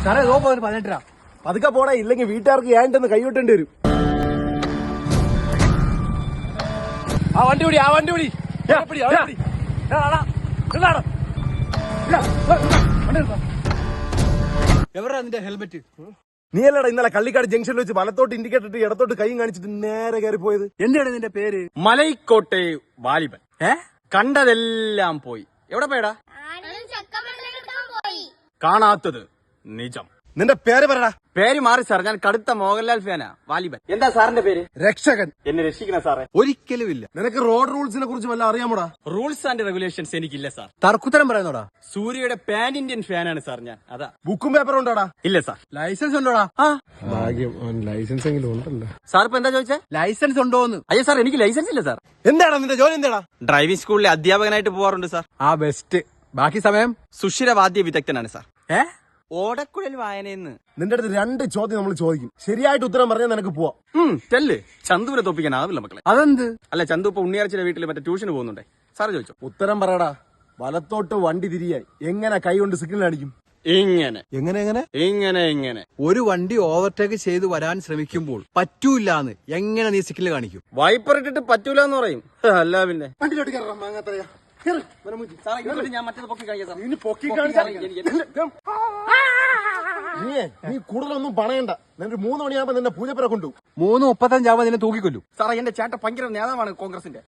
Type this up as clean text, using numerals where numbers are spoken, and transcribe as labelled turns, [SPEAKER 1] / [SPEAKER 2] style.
[SPEAKER 1] സാറേ നോപ്പോ 18 രൂപ.
[SPEAKER 2] പതുക്കെ പോടാ, ഇല്ലെങ്കിൽ വീട്ടുകാർക്ക് ഏണ്ടെന്ന് കൈവിട്ടേണ്ടി വരും.
[SPEAKER 1] ആ വണ്ടി പിടി, ആ വണ്ടി പിടി. എവരാ നിന്റെ ഹെൽമെറ്റ്?
[SPEAKER 2] നീയല്ലടാ ഇന്നലെ കള്ളിക്കാട് ജംഗ്ഷനിൽ വെച്ച് വലത്തോട്ട് ഇൻഡിക്കേറ്റർ ഇട്ട് ഇടത്തോട്ട് കൈ കാണിച്ചിട്ട് നേരെ കയറി പോയത്?
[SPEAKER 1] എന്താണ് നിന്റെ പേര്?
[SPEAKER 3] മലൈക്കോട്ടെ വാലിബൻ. കണ്ടതെല്ലാം പോയി. എവിടെ പോയടാ? കാണാത്തത് നിജം.
[SPEAKER 2] നിന്റെ പേര് പറടാ.
[SPEAKER 3] പേര് മാറി സാർ, ഞാൻ കടുത്ത മോഹൻലാൽ ഫാനാ. വാലിബൻ. എന്താ സാറിന്റെ പേര്?
[SPEAKER 2] രക്ഷകൻ.
[SPEAKER 3] എന്നെ രക്ഷിക്കണ സാറേ.
[SPEAKER 1] ഒരിക്കലും ഇല്ല.
[SPEAKER 2] നിനക്ക് റോഡ് റൂൾസിനെ കുറിച്ച് വല്ല അറിയാമോടാ?
[SPEAKER 3] റൂൾസ് ആൻഡ് റെഗുലേഷൻസ് എനിക്കില്ല സാർ.
[SPEAKER 1] തർക്കുത്തരം പറയുന്നോടാ?
[SPEAKER 3] സൂര്യയുടെ പാൻ ഇന്ത്യൻ ഫാനാണ് സാർ ഞാൻ. അതാ.
[SPEAKER 2] ബുക്കും പേപ്പറും ഉണ്ടോടാ?
[SPEAKER 3] ഇല്ല സാർ.
[SPEAKER 1] ലൈസൻസ് ഉണ്ടോടാ?
[SPEAKER 2] ഭാഗ്യം, ലൈസൻസ് എങ്കിലും ഉണ്ടല്ലോ.
[SPEAKER 3] സാർ ഇപ്പൊ എന്താ ചോദിച്ചേ?
[SPEAKER 1] ലൈസൻസ് ഉണ്ടോന്ന്?
[SPEAKER 3] അയ്യോ സാർ, എനിക്ക് ലൈസൻസ് ഇല്ല സാർ.
[SPEAKER 2] എന്താടാ നിന്റെ ജോലി? എന്താടാ?
[SPEAKER 3] ഡ്രൈവിംഗ് സ്കൂളിലെ അധ്യാപകനായിട്ട് പോവാറുണ്ട് സാർ.
[SPEAKER 1] ആ ബെസ്റ്റ്. ബാക്കി സമയം
[SPEAKER 3] സുഷിരവാദ്യ വിദഗ്ധനാണ് സാർ. ഓടക്കുഴൽ വായനയെന്ന്.
[SPEAKER 2] നിന്റെ അടുത്ത് 2 ചോദ്യം നമ്മൾ ചോദിക്കും. ശരിയായിട്ട് ഉത്തരം പറഞ്ഞാൽ നിനക്ക് പോവാം.
[SPEAKER 3] ചെല്ല്. ചന്തുവിനെ തോപ്പിക്കാനാവില്ല മക്കളെ.
[SPEAKER 1] അതെന്ത്?
[SPEAKER 3] അല്ല, ചന്തു ഇപ്പൊ ഉണ്ണിയാർച്ചിയുടെ വീട്ടിൽ മറ്റേ ട്യൂഷന് പോകുന്നുണ്ടേ. സാറ് ചോദിച്ചോ.
[SPEAKER 2] ഉത്തരം പറയടാ. വലത്തോട്ട് വണ്ടി തിരിയായി എങ്ങനെ കൈ കൊണ്ട് സിഗ്നൽ അടിക്കും?
[SPEAKER 3] ഇങ്ങനെ
[SPEAKER 2] എങ്ങനെ എങ്ങനെ
[SPEAKER 3] ഇങ്ങനെ ഇങ്ങനെ.
[SPEAKER 1] ഒരു വണ്ടി ഓവർടേക്ക് ചെയ്ത് വരാൻ ശ്രമിക്കുമ്പോൾ പറ്റൂല്ലാന്ന് എങ്ങനെ നീ സിഗ്നൽ കാണിക്കും?
[SPEAKER 3] വൈപ്പർ ഇട്ടിട്ട് പറ്റൂല എന്ന് പറയും. അല്ല പിന്നെ.
[SPEAKER 2] വണ്ടിയിലോട്ട് കയറാം. മാങ്ങാത്തറയാ.
[SPEAKER 3] ഞാൻ മറ്റേത് പൊക്കി കാണിക്കാം സാർ.
[SPEAKER 2] നീ പൊക്കി നീ കൂടുതലൊന്നും പണയണ്ട. നിനക്ക് 3 മണിയാകുമ്പോ നിന്നെ പൂജപ്പുര കൊണ്ടു.
[SPEAKER 1] 3:35 നിന്നെ തൂക്കിക്കൊല്ലു.
[SPEAKER 3] സാറേ, എന്റെ ചേട്ടൻ ഭയങ്കര നേതാവാണ് കോൺഗ്രസിന്റെ.